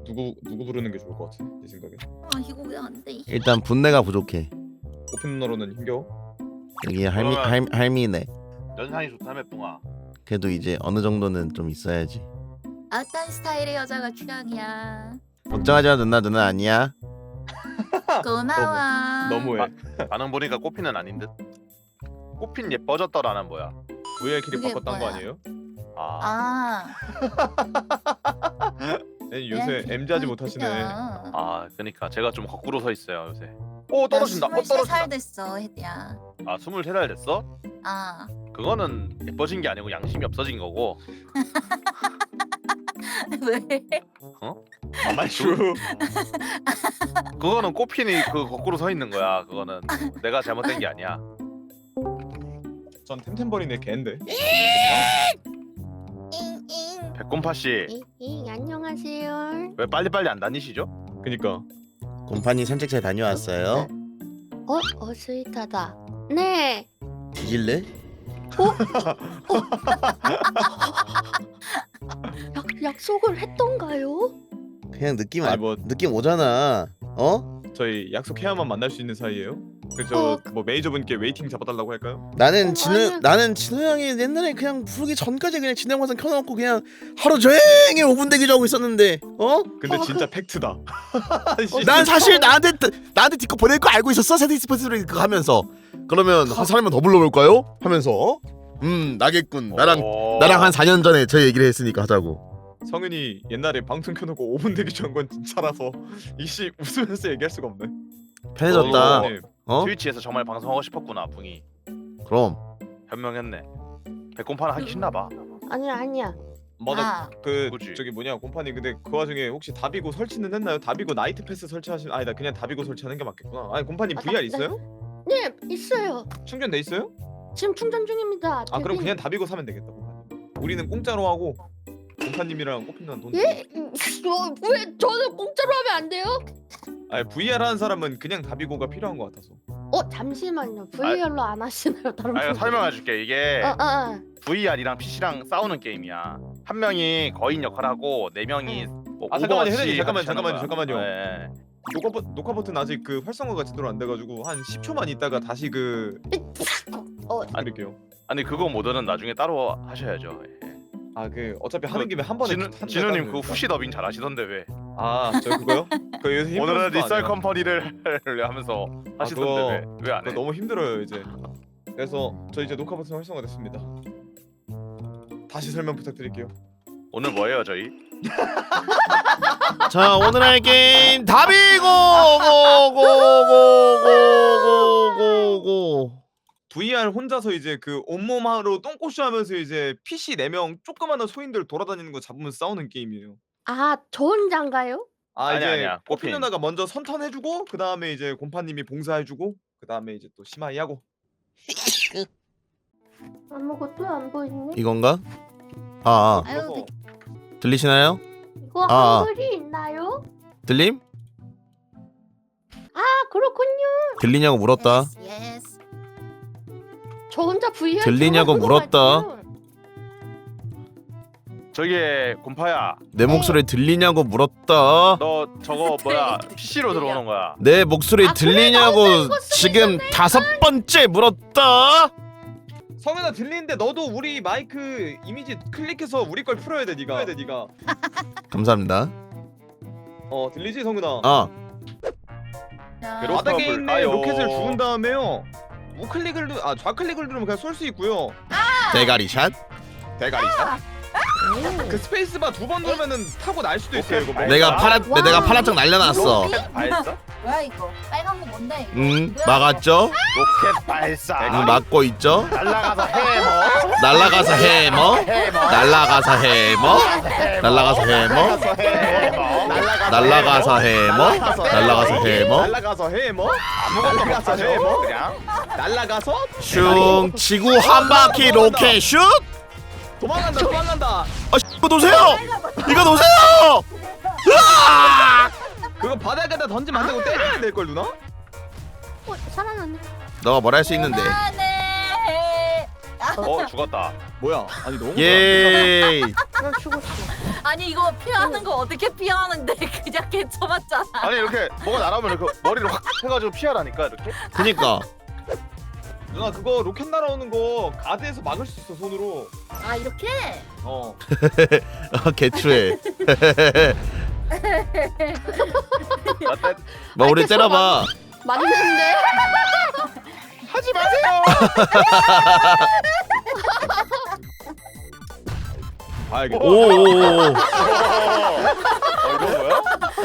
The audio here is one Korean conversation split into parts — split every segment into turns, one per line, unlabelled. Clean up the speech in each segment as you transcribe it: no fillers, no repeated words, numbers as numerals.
누구 부르는 게 좋을 것 같아? 네 생각에.
아 이거 왜 안 돼?
일단 분내가 부족해.
오픈 누나로는 힘겨워?
여기
그러면-
할미네.
연상이 좋다며 뿡아.
그래도 이제 어느 정도는 좀 있어야지.
어떤 스타일의 여자가 취향이야?
걱정하지 마 누나 아니야.
고마워.
너무해.
반응 보니까 꽃피는 아닌 듯. 꽃핀 예뻐졌더라는 뭐야?
VR 키를
그게
바꿨단 거
뭐야?
아니에요?
아,
아
아니, 요새 MZ 하지 못하시네.
그러니까 제가 좀 거꾸로 서 있어요 요새. 오 떨어진다.
23살 됐어 헤드야.
아 23살 됐어?
아
그거는 예뻐진 게 아니고 양심이 없어진 거고.
왜?
아마추.
그거는 꽃핀이 그 거꾸로 서 있는 거야. 그거는 내가 잘못된 게 아니야.
전 템템버린의 개인데.
잉잉.
백곰파 씨,
안녕하세요.
왜 빨리빨리 안 다니시죠?
그니까.
곰판이 산책 잘 다녀왔어요.
스윗하다. 네.
뒤질래?
약속을 했던가요?
그냥 느낌
아니, 뭐-
느낌 오잖아. 어?
저희 약속해야만 만날 수 있는 사이예요? 그저
어.
뭐 매니저분께 웨이팅 잡아달라고 할까요?
나는
아니야.
나는 진우 형이 옛날에 그냥 부르기 전까지 그냥 진행 화상 켜놓고 그냥 하루 종일 5분 대기하고 있었는데 어?
근데
어,
진짜 팩트다.
난 사실 나한테 디코 보낼 거 알고 있었어. 세대 스포츠를 그거 하면서 그러면 한 사람만 더 불러볼까요? 하면서 나겠군. 나랑 한 4년 전에 저 얘기를 했으니까 하자고.
성은이 옛날에 방송 켜놓고 5분 대기 전 건 진짜라서 이씨 웃으면서 얘기할 수가 없네.
편해졌다.
네.
어?
트위치에서 정말 방송하고 싶었구나 뿡이.
그럼
현명했네. 백곰파는 하기 싫나 봐.
아니야.
맞아.
아,
그
그치.
저기 뭐냐 곰파니 근데 그 와중에 혹시 다비고 설치는 했나요? 다비고 나이트 패스 설치하신 아니다 그냥 다비고 설치하는 게 맞겠구나. 아니 곰파니 VR 있어요?
네, 있어요.
충전돼 있어요?
지금 충전 중입니다.
아 그럼
되게-
그냥 다비고 사면 되겠다 곰파님. 우리는 공짜로 하고 곰파님이랑 꽃핀이랑 돈.
예? 왜 저는 공짜로 하면 안 돼요?
아니 VR 하는 사람은 그냥 다비고가 필요한 것 같아서.
잠시만요. VR로 안 하시나요, 다른
아 이거
분들?
설명해줄게. 이게 VR이랑 PC랑 싸우는 게임이야. 한 명이 거인 역할하고 네 명이 뭐
아, 잠깐만요,
오버워치
혜련이,
하듯이 하는 거야.
잠깐만요.
네.
녹화 버튼 아직 그 활성화가 제대로 안 돼가지고 한 10초만 있다가 다시 그 드릴게요.
아니 그거 모드는 나중에 따로 하셔야죠. 예.
아 그 어차피 하는 김에 한 번에
진우님 그 후시 더빙 잘하시던데 왜?
아저 그거요? 그 요새 힘든
오늘은
것도
리썰
아니에요.
컴퍼니를 하면서
아,
하시던데 왜 안
그거
해?
너무 힘들어요 이제. 그래서 저 이제 녹화 버튼 활성화됐습니다. 다시 설명 부탁드릴게요.
오늘 뭐예요 저희?
자 오늘 할 게임 다비고 고고고고고고고.
VR 혼자서 이제 그 온몸으로 똥꼬쇼 하면서 이제 PC 4명 조그마한 소인들 돌아다니는 거 잡으면 싸우는 게임이에요.
저 혼자인가요?
아니야.
꽃핀
꽃핀.
누나가 먼저 선턴해주고 그 다음에 이제 곰파님이 봉사해주고 그 다음에 이제 또 심하이 하고.
아무것도 안 보이네.
이건가? 아,
아유
그래서
들리시나요?
이거
아.
한글이 있나요?
들림?
그렇군요.
들리냐고 물었다.
예스.
저 혼자 VR
들리냐고
들어가는 거
물었다.
맞죠?
저기 곰파야
내 목소리 들리냐고 물었다.
너 저거 뭐야 PC로 들어오는 거야?
내 목소리
아, 그래?
들리냐고
나 이거 쓰고
지금 5번째 물었다.
성현아 들리는데 너도 우리 마이크 이미지 클릭해서 우리 걸 풀어야 돼 네가.
감사합니다.
들리지 성현아?
자,
괴롭-
바닥에 있는
볼까요?
로켓을 주운 다음에요. 좌클릭을 누르면 그냥 쏠 수 있고요.
대가리샷.
대가리샷. 그 스페이스바 2번 누르면은 타고 날 수도 있어요 이거.
내가 파란색 날려놨어.
로켓 발사?
뭐야 이거? 빨간 거 뭔데 이거?
막았죠?
로켓 발사.
막고 있죠?
날라가서 해머.
날라가서 해머. 날라가서 해머. 날라가서 해머. 날라가서 해머. 날라가서 해머.
날라가서 해머.
아무것도 못
날라가서
하죠.
해머.
그냥.
날라가서
슝 지구 한 바퀴 로켓 슛.
도망간다.
이거 놓으세요. 이거 놓으세요.
그거 바닥에다 던지면 안 되고 때려야 될 걸 누나?
살아났네.
너가 뭘 할 수 있는데?
안해.
죽었다.
뭐야? 아니 너무
예.
나 죽었어.
아니 이거 피하는 거 어떻게 피하는데 그냥 개쳐맞잖아.
아니 이렇게 뭐가 날아오면 이렇게 머리를 확 해가지고 피하라니까 이렇게.
그니까.
누나 그거 로켓 날아오는 거 가드에서 막을 수 있어 손으로.
아 이렇게?
어.
개추해.
어때?
뭐 우리 때려봐.
맞는데?
하지 마세요.
봐야겠다.
오오오.
이거 뭐야?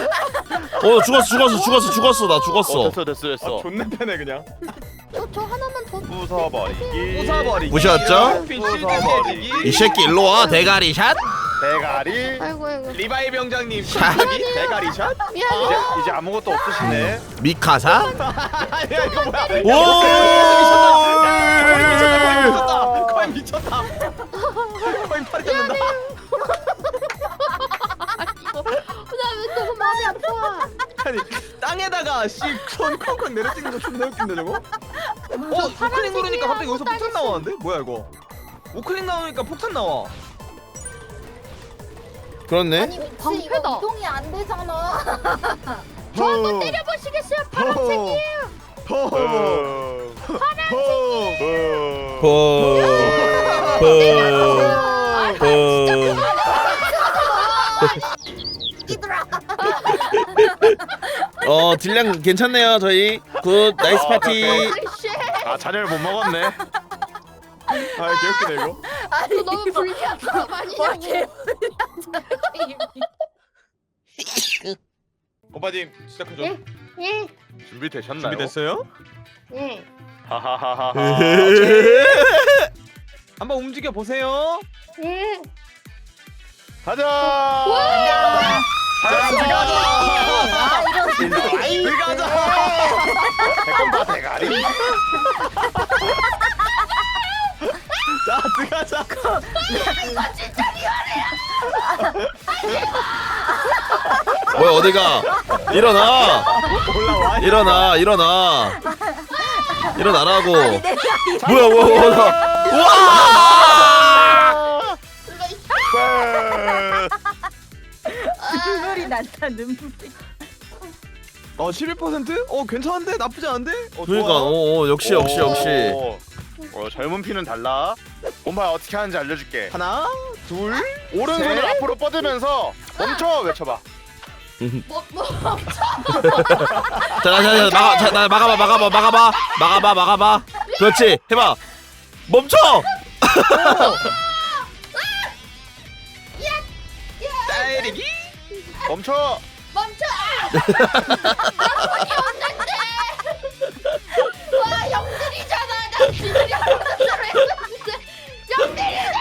죽었어. 나 죽었어.
됐어.
존나 패네 그냥.
저 하나만 더.
부숴버리기.
부숴버리기.
보셨죠?
부숴버리기.
이 새끼 일로 와. 대가리 샷.
대가리.
아이고.
리바이 병장님
자.
샷기 대가리 샷.
미안해.
이제 아무것도 없으시네.
미카사.
야 이거 뭐야?
오.
거의 미쳤다. 거의 팔이 뜯는다.
나 너무 마음이 아파.
아니 땅에다가 씨손 콩콩 내려찍는 거 존나 웃긴데 저거? 우클릭 누르니까 갑자기 여기서 폭탄 나오는데? 뭐야 이거? 우클릭 나오니까 폭탄 나와.
그렇네.
아니 미치
방패다.
이거 이동이 안 되잖아.
저 한번 때려보시겠어요? 파란색이에요.
이들아.
딜량 괜찮네요 저희. 굿 나이스 파티.
씨.
아 자네를 못 먹었네.
아 개웃기네 이거.
아니
너무 불리한 사람 아니냐고.
와 개불리한
오빠님 시작하죠.
예? 예.
준비되셨나요?
준비됐어요?
예.
하하하하.
한번 움직여 보세요.
예.
가자.
자, 들어가자.
아 이런.
들어가자.
대건바 대가리.
자, 들어가자.
뭐야 어디가? 일어나.
올라와.
일어나라고.
내가
뭐야. 와!
눈물이 난다 눈물이.
11%? 괜찮은데? 나쁘지 않은데?
그러니까 역시.
젊은 피는 달라. 곰파 어떻게 하는지 알려줄게.
하나, 둘,
오른손을
셋.
앞으로 뻗으면서 멈춰 외쳐봐.
자, 막아봐. 그렇지. 해봐. 멈춰.
때리기.
멈춰.
와 영들이잖아. 나 비밀이 없는 대로 했는데 영들이잖아.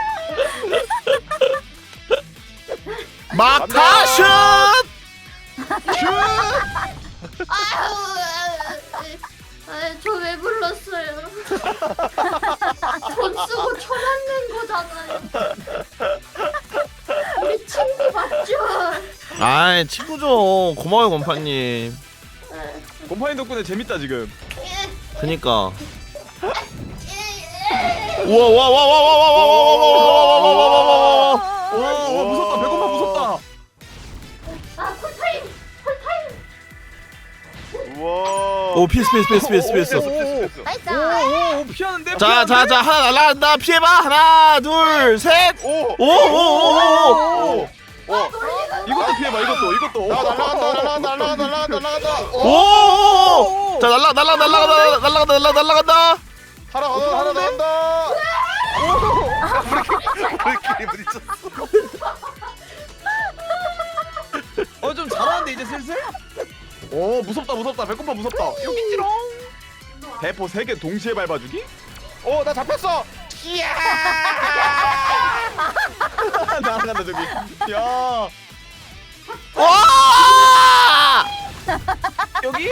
막타 슛.
저 왜 불렀어요? 돈 쓰고 쳐맞는 거잖아요. 우리 친구 맞죠?
아이 친구죠. 고마워요 곰파님.
곰파인 덕분에 재밌다 지금.
그니까.
와 무섭다. 배고파 무섭다.
아 쿨타임.
우와.
오 피스.
피했어.
나이스.
오 피하는데.
자 하나 날라간다. 피해봐. 하나 둘 셋.
오.
오.
이것도 피해봐. 이것도.
날라간다.
오. 자 날라간다.
하나 더 간다. 우리끼리 부딪혔어.
좀 잘하는데 이제 슬슬. 오 무섭다. 배고파 무섭다. 여기지롱. 대포 3개 동시에 밟아주기?
오, 나 잡혔어. 이야.
날아간다 저기. 야
와!
여기?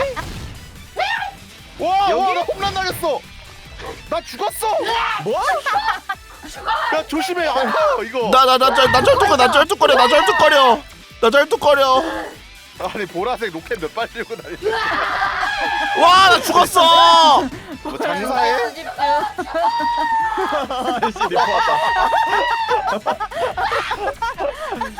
와,
여기?
나 홈런 날렸어. 나 죽었어.
뭐?
야, 조심해. 이거.
나 쩔뚝거려.
아니, 보라색 로켓 몇 발 들고 다니지?
와, 나 죽었어.
뭐 장사해?
아이씨 리포 왔다.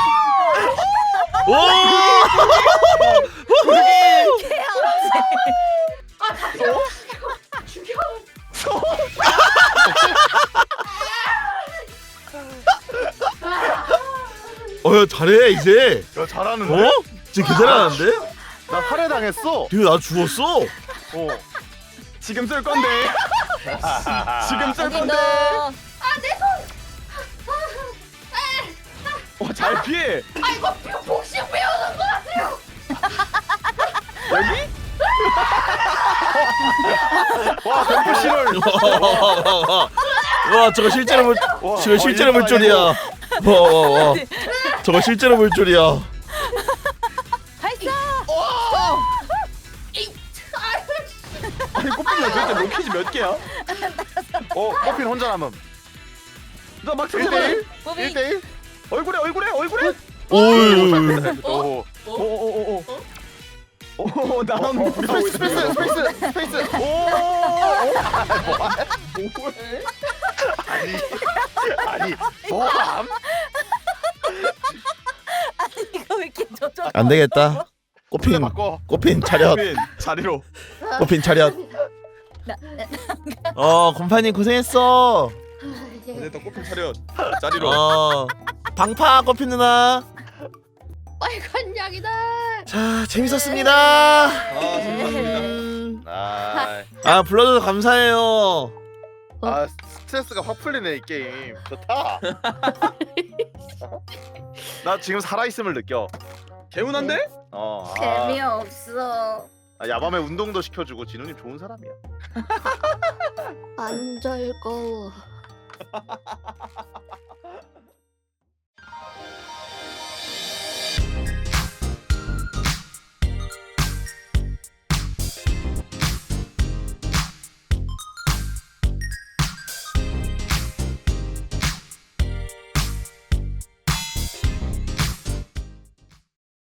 오!
죽여.
야 잘해 이제.
야 잘하는데?
어? 진짜 괜찮았는데?
나 살해당했어.
되게 나 죽었어.
지금 쏠 건데. 지금 쏠 건데. 잘 피해.
아 이거 복싱 배우는 거 같아요.
여기?
와 댐프실을.
와 저거 실제로 볼 저거 실제로 볼 줄이야. 와. 저거 실제로 볼 줄이야.
발사.
아니 꽃핀 도대체 로켓이 몇 개야?
커핀 혼자 남음.
나막
1대1?
무빙.
1대1?
얼굴에.
오유.
오.
오 나는
스페이스. 아니 뭐함?
이거 왜 이렇게 조져?
안 되겠다. 꽃핀
바꿔.
꽃핀 차렷.
꽃핀 자리로.
꽃핀 차렷. 곰파님 고생했어.
됐다 꽃핀 차렷. 자리로.
방파 꽃핀 누나.
빨간 약이다.
자 재밌었습니다.
재밌었습니다.
불러줘서 감사해요.
스트레스가 확 풀리네 이 게임. 좋다. 나 지금 살아있음을 느껴.
개운한데?
재미없어.
야밤에 운동도 시켜주고 진우님 좋은 사람이야.
안 즐거워.